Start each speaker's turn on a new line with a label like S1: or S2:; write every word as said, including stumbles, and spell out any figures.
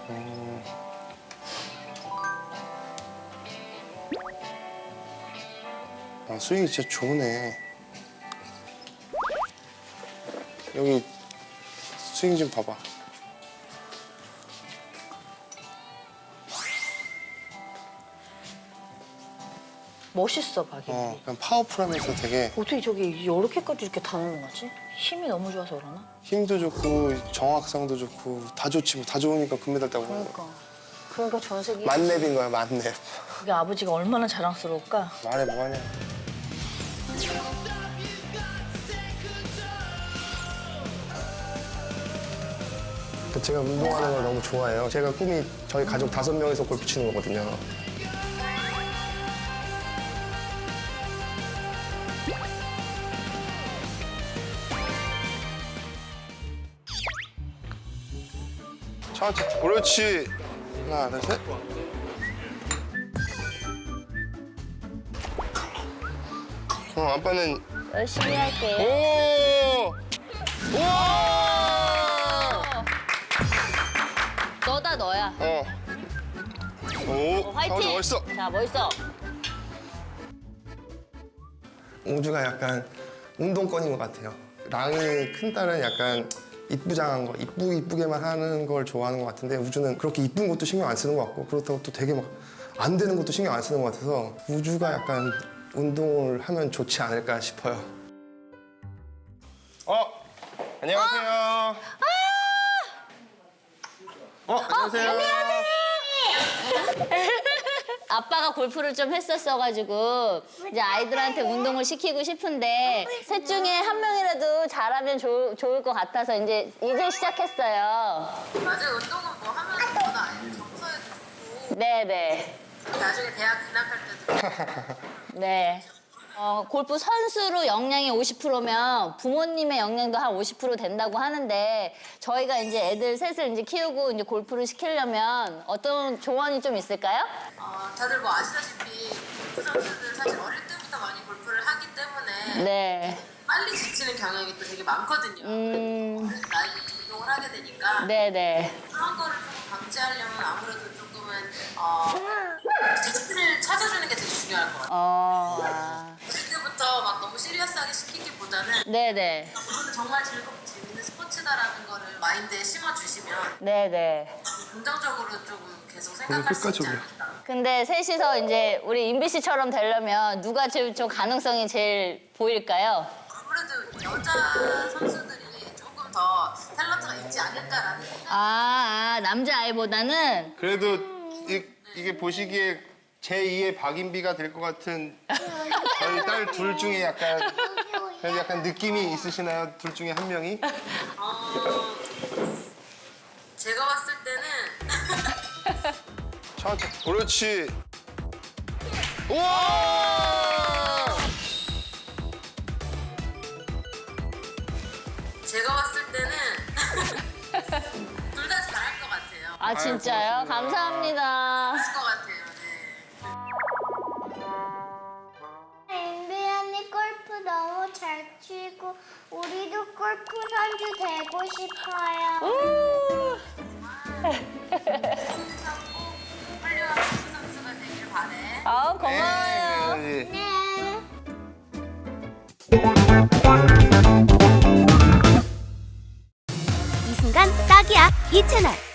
S1: 어... 아, 스윙이 진짜 좋네. 여기 스윙 좀 봐봐.
S2: 멋있어, 박이.
S1: 어, 그냥 파워풀하면서 되게
S2: 어떻게 저기 이렇게까지 이렇게 다 넘어가지? 힘이 너무 좋아서 그러나?
S1: 힘도 좋고 정확성도 좋고 다 좋지 뭐. 다 좋으니까 금메달 따고 그런 거야.
S2: 그러니까. 그러니까 전세기.
S1: 만렙인 거야, 만렙.
S2: 그게 아버지가 얼마나 자랑스러울까?
S1: 말해 뭐하냐. 제가 운동하는 걸 너무 좋아해요. 제가 꿈이 저희 가족 다섯 명이서 골프 치는 거거든요. 천천히. 그렇지. 하나, 둘, 셋. 어, 아빠는
S2: 열심히 할게.
S1: 오! 우와!
S2: 너다, 너야.
S1: 어. 오,
S2: 어, 화이팅!
S1: 멋있어.
S2: 자, 멋있어.
S1: 우주가 약간 운동권인 것 같아요. 랑이 큰 딸은 약간 이쁘장한 거, 이쁘 이쁘게만 하는 걸 좋아하는 것 같은데 우주는 그렇게 이쁜 것도 신경 안 쓰는 것 같고 그렇다고 또 되게 막 안 되는 것도 신경 안 쓰는 것 같아서 우주가 약간 운동을 하면 좋지 않을까 싶어요. 어, 안녕하세요. 아! 어, 안녕하세요.
S2: 아빠가 골프를 좀 했었어가지고 이제 아이들한테 운동을 시키고 싶은데 셋 중에 한 명이라도 잘하면 좋, 좋을 것 같아서 이제 이제 시작했어요.
S3: 맞아요. 운동은 뭐 하면 뭐다 아니에요. 정서에도 좋고
S2: 네네.
S3: 나중에 대학 진학할 때도
S2: 네. 어, 골프 선수로 역량이 오십 퍼센트면 부모님의 역량도 한 오십 퍼센트 된다고 하는데 저희가 이제 애들 셋을 이제 키우고 이제 골프를 시키려면 어떤 조언이 좀 있을까요?
S3: 어, 다들 뭐 아시다시피 골프 선수들 사실 어릴 때부터 많이 골프를 하기 때문에
S2: 네.
S3: 빨리 지치는 경향이 또 되게 많거든요.
S2: 음,
S3: 그래서 나이 운동을 하게 되니까
S2: 네네.
S3: 그런 거를 조금 방지하려면 아무래도 조금은 어, 재치를 찾아주는 게 되게 중요할 것 같아요.
S2: 어, 아.
S3: 그때부터 막 너무 시리어스하게 시키기보다는
S2: 네네.
S3: 이거는 정말 즐겁고 재밌는 스포츠다라는 거를 마인드에 심어주시면
S2: 네네.
S3: 긍정적으로 조금 계속
S1: 오늘
S3: 생각할 수 있지
S1: 끝까지
S3: 않을까.
S2: 근데 셋이서 이제 우리 인비 씨처럼 되려면 누가 제일 좀 가능성이 제일 보일까요?
S3: 아무래도 여자 선수들이 조금 더 탤런트가 있지 않을까라는 생각.
S2: 아, 아 남자아이보다는?
S1: 그래도 이, 이게 보시기에 제이의 박인비가 될 것 같은 저희 딸 둘 중에 약간 그래도 약간 느낌이 있으시나요? 둘 중에 한 명이?
S3: 어, 제가 봤을 때는
S1: 천천히. 그렇지. 우와!
S3: 제가 봤을 때는 둘 다 잘할 것 같아요.
S2: 아 진짜요?
S1: 고맙습니다.
S2: 감사합니다.
S3: 잘할 것 같아요. 네.
S4: 인비 언니 골프 너무 잘 치고 우리도 골프 선수 되고 싶어요.
S3: 훌륭한 골프 선수가 되길 바래.
S2: 아 고마워요.
S1: 네.
S4: 네.
S5: 이 순간 딱이야 이 채널.